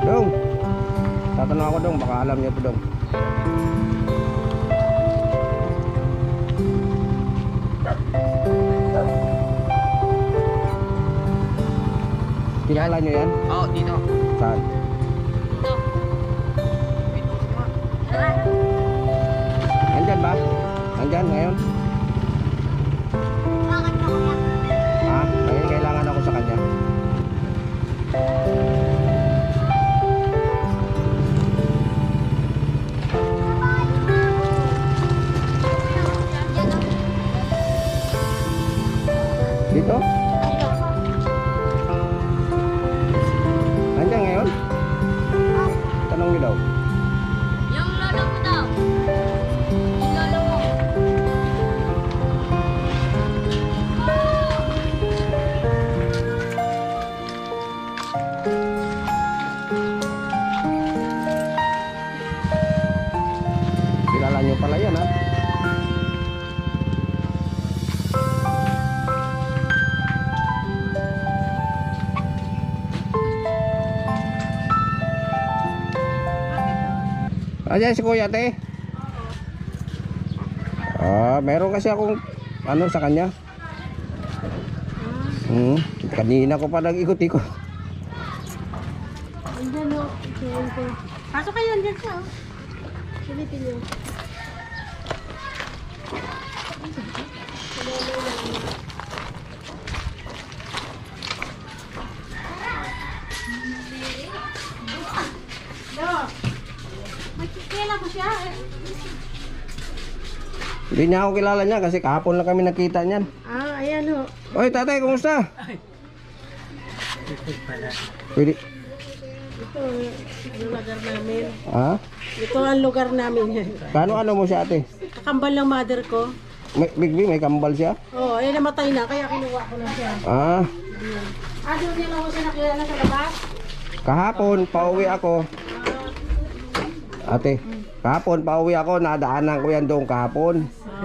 Dong, tatanong ako dong, baka alam niyo to dong. Kilala niyo yan? Oo, dito. Saan? Dito. Nandyan ba? Nandyan ngayon? Ha? Ngayon kailangan ako sa kanya. Dito? Nandyan ngayon? Tanong niyo daw. Yung lolo mo daw. Yung lolo mo. Kilala niyo pala yan ha? Ayan si Kuya te. Meron kasi akong ano sa kanya. Kanina ko pa nag-ikot-ikot. Andyan o. Pasok kayo, andyan siya o. Silipin niyo. Kailan ko siya eh. Hindi niya ako kilala niya kasi kahapon lang kami nakita niyan. Ayan o. Oy tatay, kumusta? Pwede. Ito yung lugar namin. Ha? Ito ang lugar namin. Ano mo siya ate? Kakambal ng mother ko. May kambal siya? Oo, namatay na. Kaya kinuha ko na siya. Doon niya lang ko siya nakilala sa labas. Kahapon pauwi ako. Ate, kahapon pauwi ako, nadaanan ko yan doon kahapon.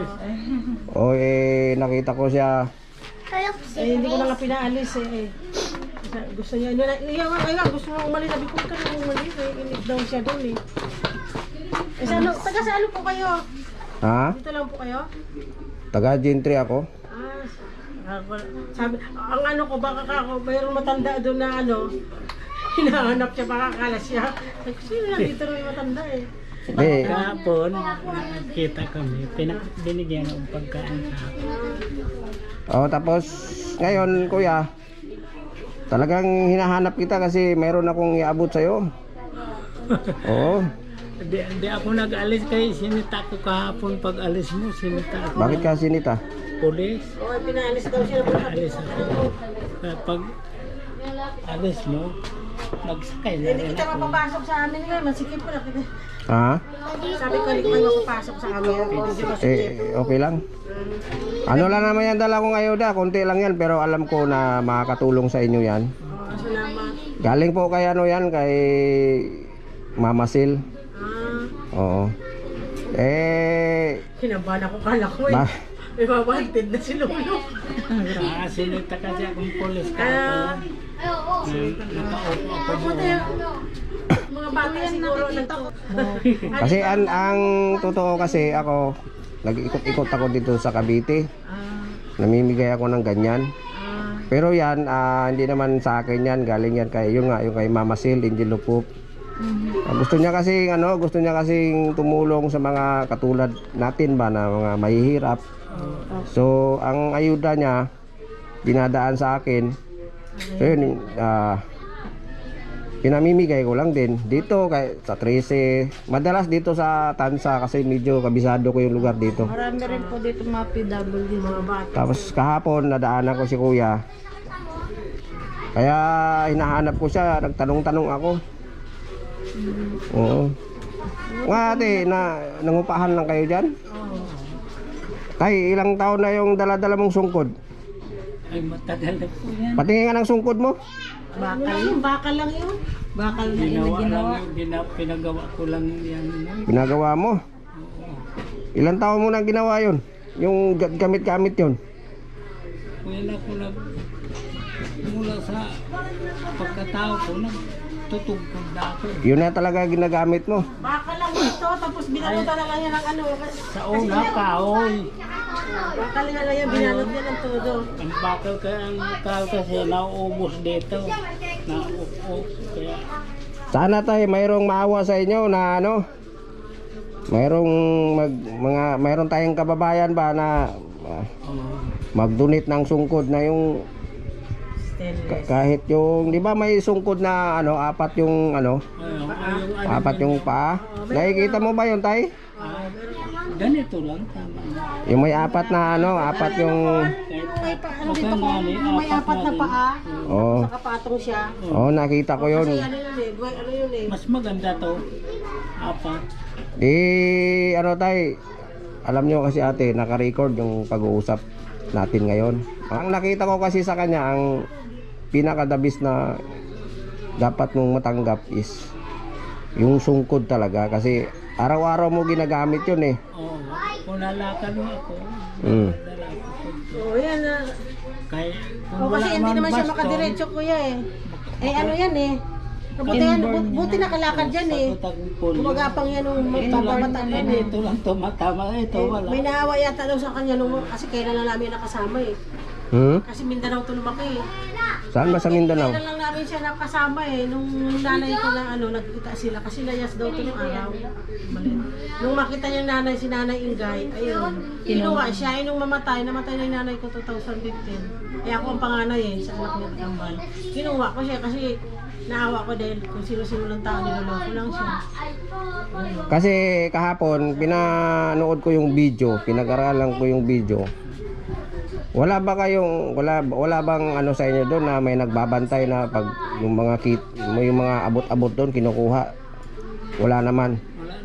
Nakita ko siya. Hindi ko na nga pinaalis eh. Gusto niya, gusto mo umalis. Sabi ko, ka na umalis eh. Inip daw siya doon eh. Taga saan po kayo? Ha? Dito lang po kayo? Taga Gentry ako. Sabi, ang ano ko, baka ako, mayroong matanda doon na ano, hinahanap siya, baka akala siya. Sino lang dito rin matanda eh. Kahapon, kita kami, binigyan ng pagkain kahapon. Tapos ngayon kuya, talagang hinahanap kita kasi mayroon akong iabot sa'yo. Oo. Di ako nag-alis kay sinita ko kahapon. Pag alis mo, sinita ako. Bakit ka sinita? Pulis. Oo, pinaalis daw siya. Alis ako. Pag alis mo, nagsakay na Hindi rin kita ako. mapapasok sa amin ngayon, masikip pa lang. Ha? Sabi ko, hindi ko kayo mapapasok sa amin. Hindi masikip. Okay lang. Ano lang naman yan, dala kong ayuda, konti lang yan, pero alam ko na makakatulong sa inyo yan. Salamat. Galing po kay ano yan, kay Mama Sil. Oo. Kinabahan ako, kala ko eh. May babantid na si Lolo. Sinita kasi akong pulis kahapon. Nakaupo ako Puti, mga bata siguro Kasi ang totoo kasi ako, nag-ikot-ikot ako dito sa Cavite. Namimigay ako ng ganyan. Pero yan, hindi naman sa akin yan, galing yan kay yung kay Mama Sil, Angel Lupop. Gusto niya kasing tumulong sa mga katulad natin ba na mga mahihirap. So, ang ayuda niya dinadaan sa akin. So yun, pinamimigay ko lang din dito kay sa 13. Madalas dito sa Tansa kasi medyo kabisado ko yung lugar dito. Marami rin po dito mga PWD, mga bata. Tapos kahapon nadaanan ko si Kuya. Kaya hinahanap ko siya, nagtanong-tanong ako. Oo. Nga ate, nangupahan lang kayo dyan? Tay, ilang taon na yung dala-dala mong sungkod? Ay, matagal na po yan. Patingin nga ng sungkod mo. Bakal lang yun. Bakal na Ginawa. Pinagawa ko lang yan. Ginagawa mo? Ilang taon mo nang ginawa yun? Yung gamit-gamit yun? Wala ko mula sa pagkatao ko, tutugtog na ako. Yun na talaga ginagamit mo. Baka lang ito, tapos binalutan na lang yan ng ano. Sa una, kahoy. Baka lang yan, binalot yan ng todo. Ang bakal kasi nauubos dito. Kaya Sana tayo mayroong maawa sa inyo na ano, mayroong mayroong tayong kababayan ba na mag-donate ng sungkod na yung Stainless. kahit yung, di ba may sungkod na ano, apat yung ano, apat yung paa. Nakikita mo ba yun, tay? ganito lang, tama na. Yung may apat na ano, apat yung May pa, ano dito ko, may apat na paa. oh, Nakapatong siya. oh nakita ko yun. Kasi ano yun eh, ano yun eh. Mas maganda to. Apat. Ano tay, alam nyo kasi ate, naka-record yung pag-uusap natin ngayon. Ang nakita ko kasi sa kanya, ang pinakadabis na dapat mong matanggap is yung sungkod talaga. Kasi araw-araw mo ginagamit yun eh. Oo. Kung lalakad mo ako, Mm. dala ako. Oo yan na. Kaya kung O wala kasi hindi naman siya baston, makadiretso kuya eh. Eh ano yan eh. Buti nakalakad dyan eh. sa tagong pulyo. Gumagapang yan nung magpapamatan yan eh. Ito lang tumatama. Ito wala. May naawa yata daw sa kanya nung, kasi kailan lang namin nakasama eh. Kasi Mindanao to lumaki eh. Saan ba sa Mindanao? Kailan lang namin siya nakasama eh. Nung nanay ko na ano, nagkita sila. Kasi layas daw to nung araw. Mali. Nung makita niya nanay, si Nanay Ingay, ayun. Kinuha siya. Nung namatay na yung nanay ko 2015. Eh ako ang panganay eh, sa anak niya Kambal. Kinuha ko siya kasi naawa ko dahil kung sino-sino lang tao, niloloko lang siya. Kasi kahapon, pinanood ko yung video, pinag-aralan ko yung video. Wala ba kayong, wala bang ano sa inyo doon na may nagbabantay na pag yung mga yung mga abot-abot doon kinukuha? Wala naman.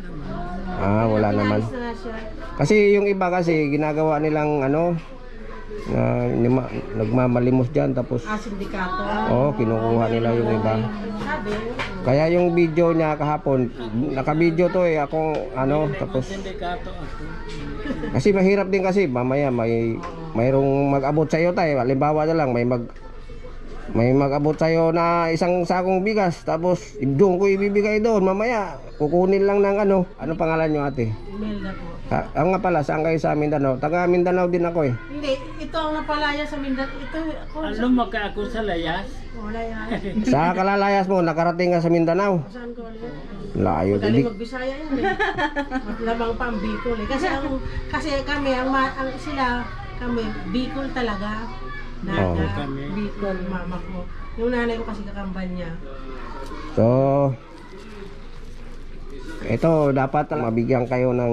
Wala naman. Pinalis na siya. Kasi yung iba kasi ginagawa nilang ano na nagmamalimos diyan tapos Sindikato. kinukuha nila yung iba. Sabi, Kaya yung video niya kahapon, naka-video to eh ako ano tapos Sindikato ako. kasi mahirap din kasi mamaya mayroong mag-abot sa iyo tayo. Halimbawa na lang may mag-abot sa iyo na isang sakong bigas tapos doon ko ibibigay doon mamaya kukunin lang ng ano pangalan niyo ate? Imelda po. Nga pala saan kayo sa Mindanao? Taga Mindanao din ako eh. Hindi, ito ang napalaya sa Mindanao. Ito, ako, Lumaki ako sa layas. wala yan. Sa kalalayas mo nakarating ka sa Mindanao. Saan ko ulit? Layo Magaling din. magbisaya yan eh. Lamang pa ang Bicol eh. Kasi kami, kami, Bicol talaga. Naga, Kami. Bicol, mama ko. Yung nanay ko kasi kakambal niya. So ito dapat mabigyan kayo ng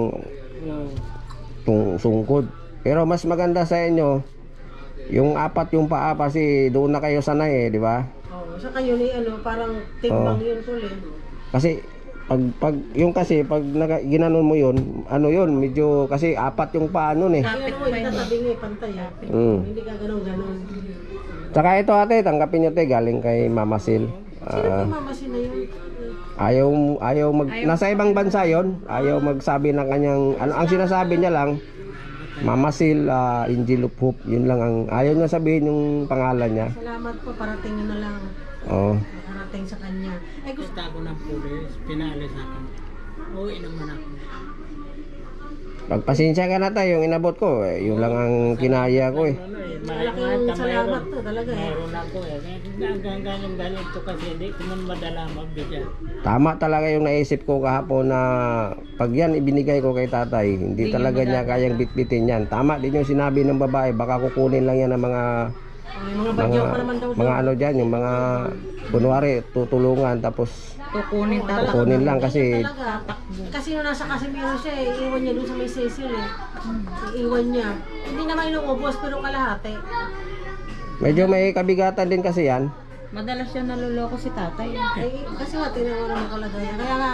sungkod. Pero mas maganda sa inyo yung apat yung paa kasi doon na kayo sanay eh, di ba? Oo, sa kayo ni parang timbang yun ko eh. Kasi pag yung kasi pag ginanon mo yun, medyo kasi apat yung paa nun eh. Kaya mo, itatabi nga eh, pantay ah. Hindi ka ganun-ganun. Tsaka ito ate, tanggapin nyo te, galing kay Mama Sil. Sino mamasin na yun? Ayaw nasa ibang bansa yon, ayaw magsabi ng kanyang ang sinasabi niya lang Mama Sil, Angel of Hope, yun lang ang ayaw niya sabihin yung pangalan niya. Salamat po, parating nyo na lang. Oo. Parating sa kanya. Eh, gusto Gusto ako ng pulis, pinalis ako. Uwi naman ako. Pagpasensya ka na tayo, yung inabot ko, yun lang ang kinaya ko eh. malaking salamat to talaga eh. Meron ako eh. Hanggang ganyan ganito kasi hindi ko man madala mabigyan. Tama talaga yung naisip ko kahapon na pag yan ibinigay ko kay tatay, hindi talaga niya kayang bitbitin yan. Tama din yung sinabi ng babae, baka kukunin lang yan ng mga Yung mga bagyo pa naman daw. mga ano dyan, yung mga kunwari tutulungan tapos kukunin lang kasi Talaga. Kasi nung nasa Casimiro siya eh, iiwan niya doon sa may Cecil eh. Iiwan niya. Hindi naman inuubos pero kalahati. medyo may kabigatan din kasi yan. Madalas siya naluloko si tatay. Eh, kasi nga tingnan mo naman kalagayan. Kaya nga,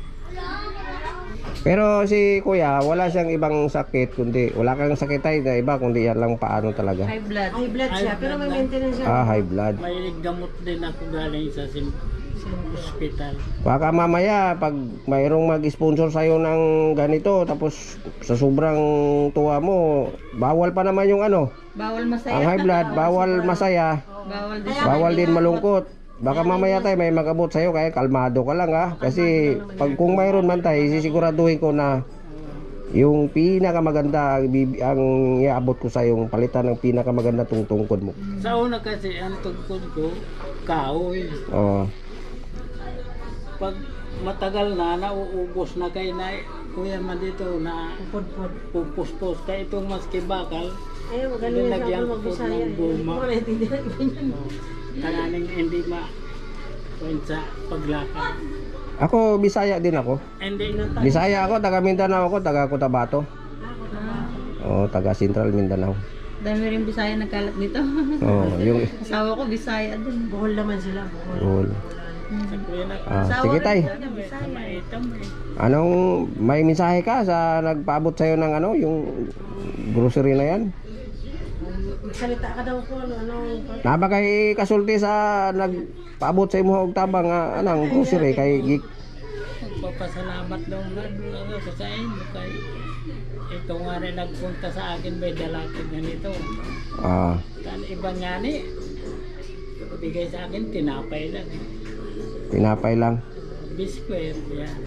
Pero si kuya, wala siyang ibang sakit kundi wala kang sakit ay na iba kundi yan lang paano talaga. High blood. high blood siya pero may maintenance siya. High blood. May gamot din ako galing sa hospital. Baka mamaya pag mayroong mag-sponsor sa'yo ng ganito tapos sa sobrang tuwa mo, bawal pa naman yung ano, Bawal masaya. ang high blood, bawal masaya, Bawal din. bawal din malungkot. baka mamaya tayo may mag-abot sa'yo kaya kalmado ka lang ha. Kasi pag kung mayroon man tayo, sisiguraduhin ko na yung pinakamaganda ang iabot ko sa yung palitan ng pinakamaganda tungkod mo. Sa una kasi, ang tungkod ko, kahoy. Oo. Pag matagal na, nauubos na kayo na, kuya man dito na Pupod-pod. pupuspos ka itong maski bakal. Eh, magaling yan Nilagyan sa ko magbisaya. ng guma. Hindi ko naintindihan iba yan. Kananing hindi sa paglakad. Ako, Bisaya din ako. Hindi Bisaya ako, taga Mindanao ako, taga Cotabato. Oo, taga Central Mindanao. Dami rin Bisaya nagkalat dito. Oo, yung Asawa ko Bisaya din. Buhol naman sila, buhol. Cool. sa kuya na Sige tay. maitam eh. Anong may mensahe ka sa nagpaabot sa'yo ng ano, yung grocery na yan? Magsalita ka daw po, ano. Naba kay kasulti sa nagpaabot sa imo og tabang nga anang grocery kay gik. Magpapasalamat daw nga ako sa inyo kay ito nga rin nagpunta sa akin may dalakid na nito. Ah, Kan iba nga ni bigay sa akin tinapay lang. tinapay lang. Biskwit yan.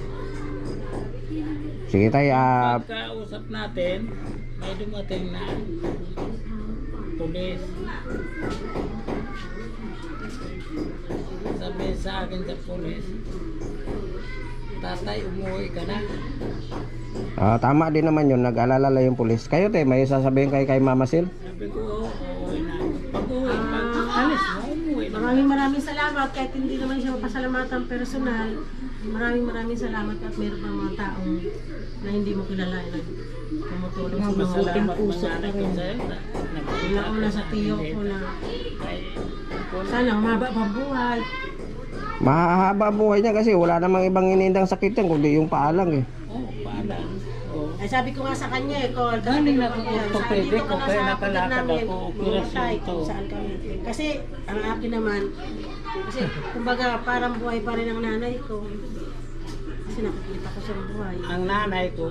Sige tay, Pagkausap natin, may dumating na pulis. Sabi sa akin sa pulis, tatay, umuwi ka na. tama din naman yun, nag-alala lang yung pulis. Kayo te, may sasabihin kay Mama Sil? Sabi ko, uuwi na. Pag-uwi, pag-alis mo, umuwi na. Maraming salamat kahit hindi naman siya mapasalamatan personal. Maraming salamat at meron pang mga taong na hindi mo kilala na tumutulong sa mga Masalamat manganak ko sa'yo. una sa tiyo ko na Kay, sana humaba pa buhay. Mahahaba ang buhay niya kasi wala namang ibang inindang sakit yan kundi yung paalang eh. paalang. Oh. Ay sabi ko nga sa kanya eh, Col, Galing na akong orthopedic, dito ka kaya na sa kapatid nakalakad namin, ako, operasyon mamatay to. kung saan kami. Kasi ang akin naman, kasi kumbaga parang buhay pa rin ang nanay ko. Kasi nakikita ko siyang buhay. Ang nanay ko,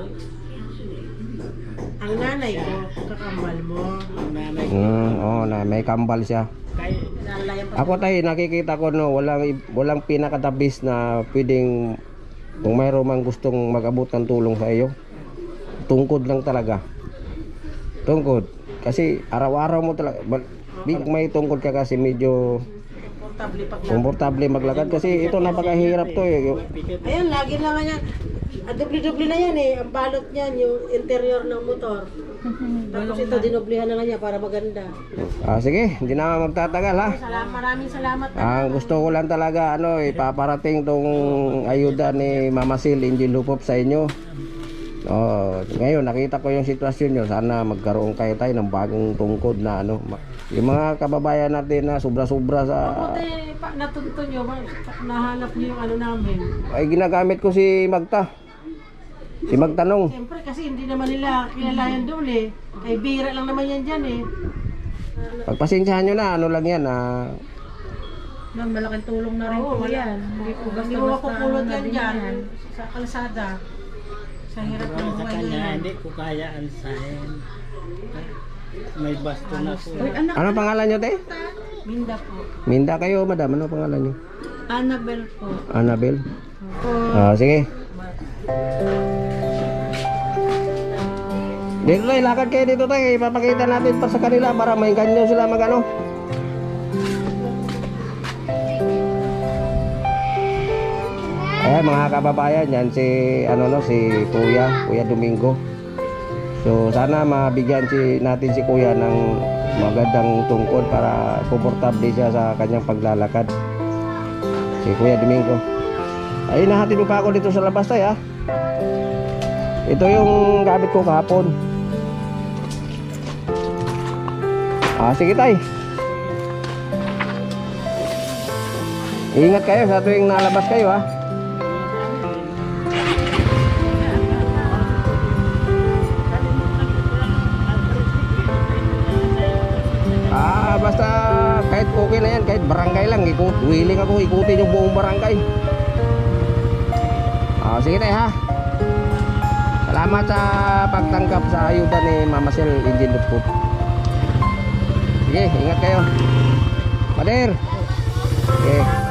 Ang nanay ko, kakambal mo. ang nanay ko, Oo, na may kambal siya. kay, Nalalayan pa. Ako tayo, nakikita ko no, walang pinakatabis na pwedeng kung mayroon mang gustong mag-abot ng tulong sa iyo. Tungkod lang talaga. Tungkod. Kasi araw-araw mo talaga, may tungkod ka kasi medyo Komportable pag komportable maglakad kasi ito napakahirap to eh. Ayan, lagi na nga yan. Dubli-dubli na yan eh. Ang balot niyan, yung interior ng motor. Tapos ito, dinoblihan na lang niya para maganda. Sige, hindi na magtatagal ha. Maraming salamat. Ang gusto ko lang talaga ipaparating tong ayuda ni Mama Sil Angel Lupop sa inyo. Ngayon nakita ko yung sitwasyon nyo. Sana magkaroon kayo tayo ng bagong tungkod na yung mga kababayan natin na sobra-sobra sa Mabuti, natunto nyo, nahanap nyo yung namin. ay ginagamit ko si Magta. Si Magtanong. Siyempre kasi hindi naman nila kilala yan doon eh. Kay bira lang naman yan dyan eh. Pagpasensyahan nyo na lang yan Nang malaking tulong na rin Oo, po wala. yan. Hindi po Hindi mo basta-basta mapupulot na yan din dyan yan. sa kalsada. Sa hirap ng sa buhay kanya, ngayon. hindi ko kaya ansahin. May baston ako. Uy, anak, Ano pangalan nyo te? Minda po. Minda kayo madam. Ano pangalan nyo? Annabel po. Annabel? Sige. Dito tayo, lakad kayo dito tayo. Ipapakita natin pa sa kanila para mainggan nyo sila mag-ano. Ayan mga kababayan, yan si Kuya Domingo. So sana mabigyan natin si Kuya ng magandang tungkod para komportable siya sa kanyang paglalakad. Si Kuya Domingo. Ay, nahatid mo pa ako dito sa labas tayo ha. Ito yung gamit ko kahapon. Sige tay. Ingat kayo sa tuwing nalabas kayo ha. Basta kahit okay na yan, kahit barangay lang, willing ako ikutin yung buong barangay. Sige tayo ha. Salamat sa pagtanggap sa ayuda ni Mama Sil Angel Lupop. Sige, ingat kayo. Pader. Okay.